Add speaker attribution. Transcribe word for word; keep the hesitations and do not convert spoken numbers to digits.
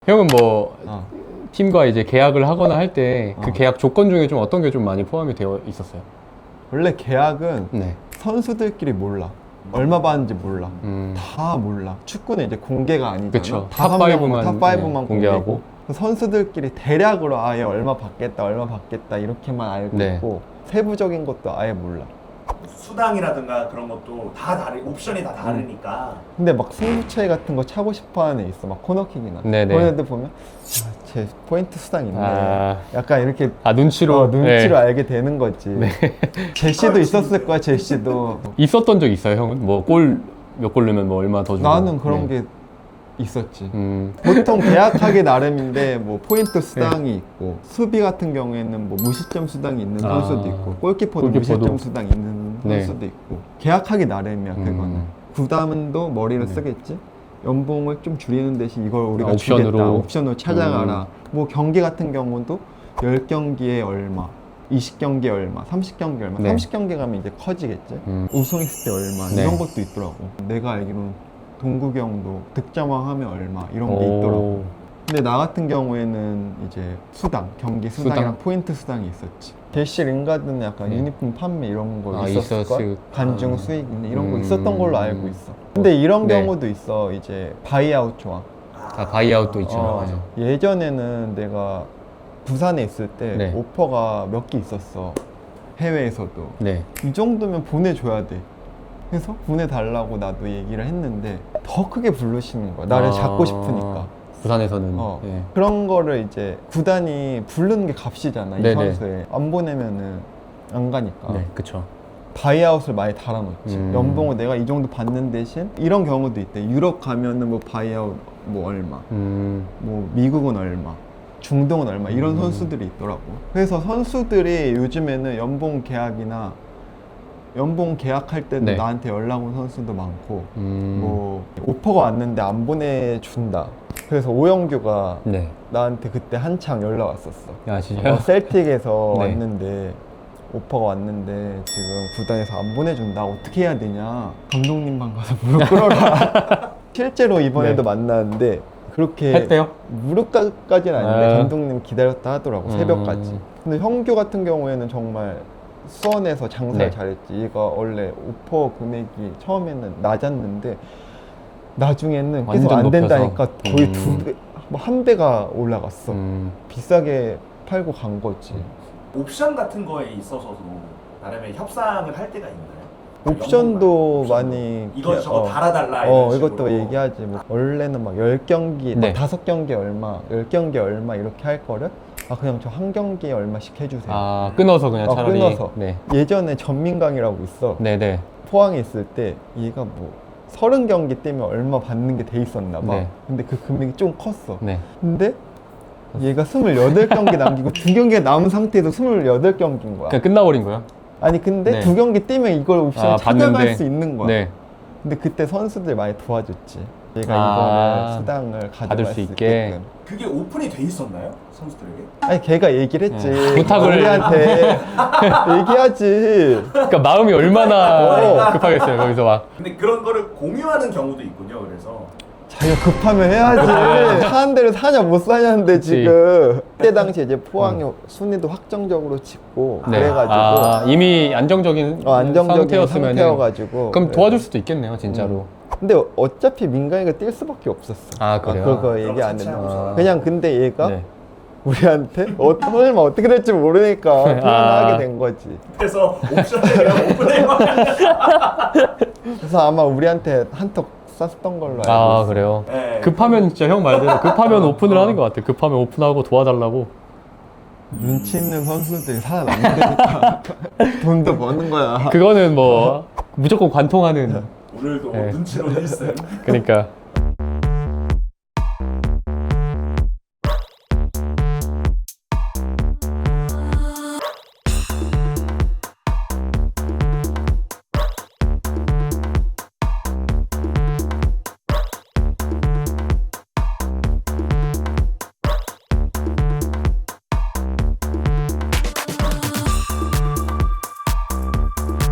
Speaker 1: 형은 뭐
Speaker 2: 어.
Speaker 1: 팀과 이제 계약을 하거나 할 때 그
Speaker 2: 어.
Speaker 1: 계약 조건 중에 좀 어떤 게 좀 많이 포함이 되어 있었어요?
Speaker 2: 원래 계약은
Speaker 1: 네.
Speaker 2: 선수들끼리 몰라. 얼마 받는지 몰라.
Speaker 1: 음.
Speaker 2: 다 몰라. 축구는 이제 공개가 아니잖아.
Speaker 1: 그쵸.
Speaker 2: 다섯
Speaker 1: 탑
Speaker 2: 명은
Speaker 1: 파이브만,
Speaker 2: 탑 파이브만
Speaker 1: 네, 공개하고.
Speaker 2: 공개하고 선수들끼리 대략으로 아얘 얼마 받겠다 얼마 받겠다 이렇게만 알고
Speaker 1: 네.
Speaker 2: 있고 세부적인 것도 아예 몰라.
Speaker 3: 수당이라든가 그런 것도 다 다르, 옵션이 다 다르니까.
Speaker 2: 근데 막 승부차이 같은 거 차고 싶어하는 애 있어. 막 코너킥이나
Speaker 1: 네네.
Speaker 2: 그런 애들 보면 아, 쟤 포인트 수당 있네.
Speaker 1: 아.
Speaker 2: 약간 이렇게
Speaker 1: 아 눈치로.
Speaker 2: 어, 눈치로
Speaker 1: 네.
Speaker 2: 알게 되는 거지. 제시도 있었을 거야. 제시도.
Speaker 1: 있었던 적 있어요, 형은? 뭐 골 몇 골 넣으면 뭐 얼마 더 주고?
Speaker 2: 나는 그런
Speaker 1: 네.
Speaker 2: 게 있었지.
Speaker 1: 음.
Speaker 2: 보통 계약하기 나름인데 뭐 포인트 수당이 있고 수비 같은 경우에는 뭐 무시점 수당이 있는
Speaker 1: 아.
Speaker 2: 선수도 있고 골키퍼도,
Speaker 1: 골키퍼도.
Speaker 2: 무시점 수당이 있는
Speaker 1: 네.
Speaker 2: 선수도 있고 계약하기 나름이야 그거는.
Speaker 1: 음.
Speaker 2: 구단도 머리를
Speaker 1: 네.
Speaker 2: 쓰겠지. 연봉을 좀 줄이는 대신 이걸 우리가
Speaker 1: 아, 옵션으로.
Speaker 2: 주겠다. 옵션으로 찾아가라. 뭐 경기 같은 경우도 십 경기에 얼마, 이십 경기에 얼마, 삼십 경기에 얼마.
Speaker 1: 네.
Speaker 2: 삼십 경기 가면 이제 커지겠지.
Speaker 1: 음.
Speaker 2: 우승했을 때 얼마
Speaker 1: 네.
Speaker 2: 이런 것도 있더라고. 내가 알기로는 동국이 형도 득점왕하면 얼마 이런 게
Speaker 1: 오.
Speaker 2: 있더라고. 근데 나 같은 경우에는 이제 수당, 경기 수당이랑
Speaker 1: 수당?
Speaker 2: 포인트 수당이 있었지. 대시 링가드는 약간
Speaker 1: 네.
Speaker 2: 유니폼 판매 이런 거
Speaker 1: 아,
Speaker 2: 있었을 걸?
Speaker 1: 있었을-
Speaker 2: 간중
Speaker 1: 아.
Speaker 2: 수익 이런 거
Speaker 1: 음.
Speaker 2: 있었던 걸로 알고 있어. 근데 이런
Speaker 1: 네.
Speaker 2: 경우도 있어. 이제 바이아웃 조항.
Speaker 1: 아, 바이아웃도 있죠.
Speaker 2: 어,
Speaker 1: 네.
Speaker 2: 예전에는 내가 부산에 있을 때
Speaker 1: 네.
Speaker 2: 오퍼가 몇 개 있었어. 해외에서도.
Speaker 1: 네.
Speaker 2: 이 정도면 보내줘야 돼. 그래서 보내달라고 나도 얘기를 했는데 더 크게 부르시는 거야. 나를
Speaker 1: 아.
Speaker 2: 잡고 싶으니까.
Speaker 1: 부산에서는.
Speaker 2: 어.
Speaker 1: 예.
Speaker 2: 그런 거를 이제 구단이 부르는 게 값이잖아. 이
Speaker 1: 네네.
Speaker 2: 선수에. 안 보내면은 안 가니까.
Speaker 1: 네, 그쵸.
Speaker 2: 바이아웃을 많이 달아놓지.
Speaker 1: 음.
Speaker 2: 연봉을 내가 이 정도 받는 대신 이런 경우도 있대. 유럽 가면은 뭐 바이아웃 뭐 얼마,
Speaker 1: 음.
Speaker 2: 뭐 미국은 얼마, 중동은 얼마 이런
Speaker 1: 음.
Speaker 2: 선수들이 있더라고. 그래서 선수들이 요즘에는 연봉 계약이나 연봉 계약할 때도
Speaker 1: 네.
Speaker 2: 나한테 연락 온 선수도 많고
Speaker 1: 음.
Speaker 2: 뭐 오퍼가 왔는데 안 보내준다. 그래서 오영규가
Speaker 1: 네.
Speaker 2: 나한테 그때 한창 연락 왔었어.
Speaker 1: 야, 진짜.
Speaker 2: 어, 셀틱에서
Speaker 1: 네.
Speaker 2: 왔는데 오퍼가 왔는데 지금 구단에서 안 보내준다. 어떻게 해야 되냐. 감독님 방 가서 무릎 꿇어라. 실제로 이번에도
Speaker 1: 네.
Speaker 2: 만났는데 그렇게
Speaker 1: 했대요?
Speaker 2: 무릎까지는 아닌데
Speaker 1: 아.
Speaker 2: 감독님 기다렸다 하더라고.
Speaker 1: 음.
Speaker 2: 새벽까지. 근데 형규 같은 경우에는 정말 수원에서 장사를
Speaker 1: 네.
Speaker 2: 잘했지. 얘가 원래 오퍼 금액이 처음에는 낮았는데 나중에는 계속
Speaker 1: 완전
Speaker 2: 안 된다니까
Speaker 1: 높여서.
Speaker 2: 거의
Speaker 1: 음.
Speaker 2: 두 배, 뭐 한 배가 올라갔어.
Speaker 1: 음.
Speaker 2: 비싸게 팔고 간 거지.
Speaker 3: 옵션 같은 거에 있어서도 나름의 협상을 할 때가 있나요?
Speaker 2: 옵션도
Speaker 3: 연봉 말고
Speaker 2: 많이
Speaker 3: 이거
Speaker 2: 이렇게,
Speaker 3: 저거
Speaker 2: 어,
Speaker 3: 달아달라
Speaker 2: 어
Speaker 3: 이런
Speaker 2: 이것도
Speaker 3: 식으로.
Speaker 2: 얘기하지. 뭐 원래는 막 열 경기,
Speaker 1: 네.
Speaker 2: 막 다섯 경기 얼마, 열 경기 얼마 이렇게 할 거를 아 그냥 저 한 경기에 얼마씩 해주세요.
Speaker 1: 아, 끊어서 그냥
Speaker 2: 어,
Speaker 1: 차라리.
Speaker 2: 끊어서.
Speaker 1: 네.
Speaker 2: 예전에 전민강이라고 있어.
Speaker 1: 네네.
Speaker 2: 포항에 있을 때 얘가 뭐 서른 경기 뛰면 얼마 받는 게 돼 있었나 봐.
Speaker 1: 네.
Speaker 2: 근데 그 금액이 좀 컸어.
Speaker 1: 네.
Speaker 2: 근데 얘가 스물여덟 경기 남기고 두 경기가 남은 상태에서 스물여덟 경기인 거야.
Speaker 1: 그냥 끝나버린 거야?
Speaker 2: 아니 근데
Speaker 1: 네.
Speaker 2: 두 경기 뛰면 이걸 옵션
Speaker 1: 아,
Speaker 2: 찾아갈
Speaker 1: 봤는데.
Speaker 2: 수 있는 거야.
Speaker 1: 네.
Speaker 2: 근데 그때 선수들 많이 도와줬지. 얘가
Speaker 1: 아,
Speaker 2: 이거를 수당을 가져갈
Speaker 1: 받을
Speaker 2: 수
Speaker 1: 수 있게.
Speaker 2: 있게끔.
Speaker 3: 그게 오픈이 돼 있었나요? 선수들에게?
Speaker 2: 아니 걔가 얘기를 했지.
Speaker 1: 네. 부탁을-
Speaker 2: 우리한테 얘기하지.
Speaker 1: 그러니까 마음이 얼마나
Speaker 2: 어.
Speaker 1: 급하겠어요, 거기서 막.
Speaker 3: 근데 그런 거를 공유하는 경우도 있군요. 그래서
Speaker 2: 자기가 급하면 해야지. 사는 데를 사냐 못 사냐는데
Speaker 1: 그치.
Speaker 2: 지금. 그때 당시 이제 포항이 순위도 확정적으로 찍고
Speaker 1: 네.
Speaker 2: 그래가지고
Speaker 1: 아, 이미 안정적인
Speaker 2: 어, 안정적인
Speaker 1: 상태였으면
Speaker 2: 상태여가지고.
Speaker 1: 그럼
Speaker 2: 그래서.
Speaker 1: 도와줄 수도 있겠네요, 진짜로.
Speaker 2: 근데 어차피 민강이가 뛸 수밖에 없었어.
Speaker 1: 아, 그래요?
Speaker 2: 그거 얘기
Speaker 3: 그럼
Speaker 2: 안
Speaker 3: 같이
Speaker 2: 했나.
Speaker 3: 하고서.
Speaker 2: 그냥 근데 얘가
Speaker 1: 네.
Speaker 2: 우리한테 어, 설마 어떻게 될지 모르니까
Speaker 1: 아.
Speaker 2: 표현하게 된 거지.
Speaker 3: 그래서 옵션을 그냥 오픈해
Speaker 2: 그래서 아마 우리한테 한턱 쐈던 걸로 알고
Speaker 1: 아,
Speaker 2: 있어.
Speaker 1: 그래요?
Speaker 3: 네.
Speaker 1: 급하면 진짜 형 말대로 급하면 오픈을 하는 것 같아요. 급하면 오픈하고 도와달라고.
Speaker 2: 눈치 있는 선수들이 살아남으니까 돈도 버는 거야.
Speaker 1: 그거는 뭐 무조건 관통하는.
Speaker 3: 오늘도
Speaker 1: 네.
Speaker 3: 눈치로 일 승.
Speaker 1: 그러니까